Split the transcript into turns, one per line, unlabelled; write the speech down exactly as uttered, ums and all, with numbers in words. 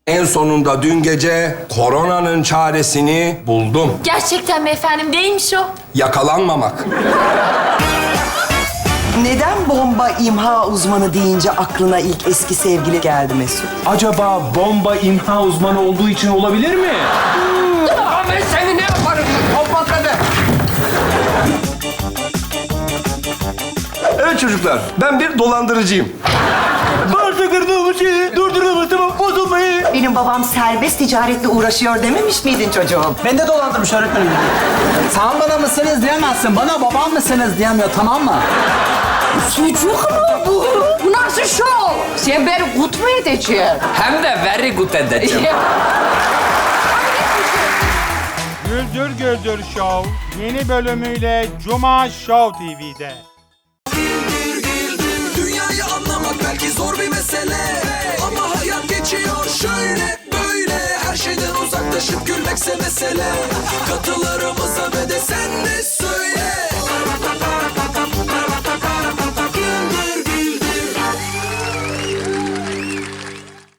En sonunda dün gece koronanın çaresini buldum.
Gerçekten mi efendim? Neymiş o?
Yakalanmamak.
Neden bomba imha uzmanı deyince aklına ilk eski sevgili geldi Mesut?
Acaba bomba imha uzmanı olduğu için olabilir mi?
Ben seni ne yaparım? Kapat hadi. Evet çocuklar, ben bir dolandırıcıyım.
Varsa kırdığımız şeyi durduramazsam bozulmayı.
Benim babam serbest ticaretle uğraşıyor dememiş miydin çocuğum?
Ben de dolandırmış öğretmenim. Sen bana mısınız diyemezsin. Bana babam mısınız diyemiyor, tamam mı?
Sucuk mu bu? Bu nasıl şov? Sen beni kut mu edeceksin?
Hem de very good edeceğim.
Güldür Güldür Show yeni bölümüyle Cuma Show T V'de.
Dünyayı anlamak belki zor bir mesele, ama hayat geçiyor şöyle böyle. Her şeyden uzaklaşıp gülmekse mesele. Katılarımıza ve de sen de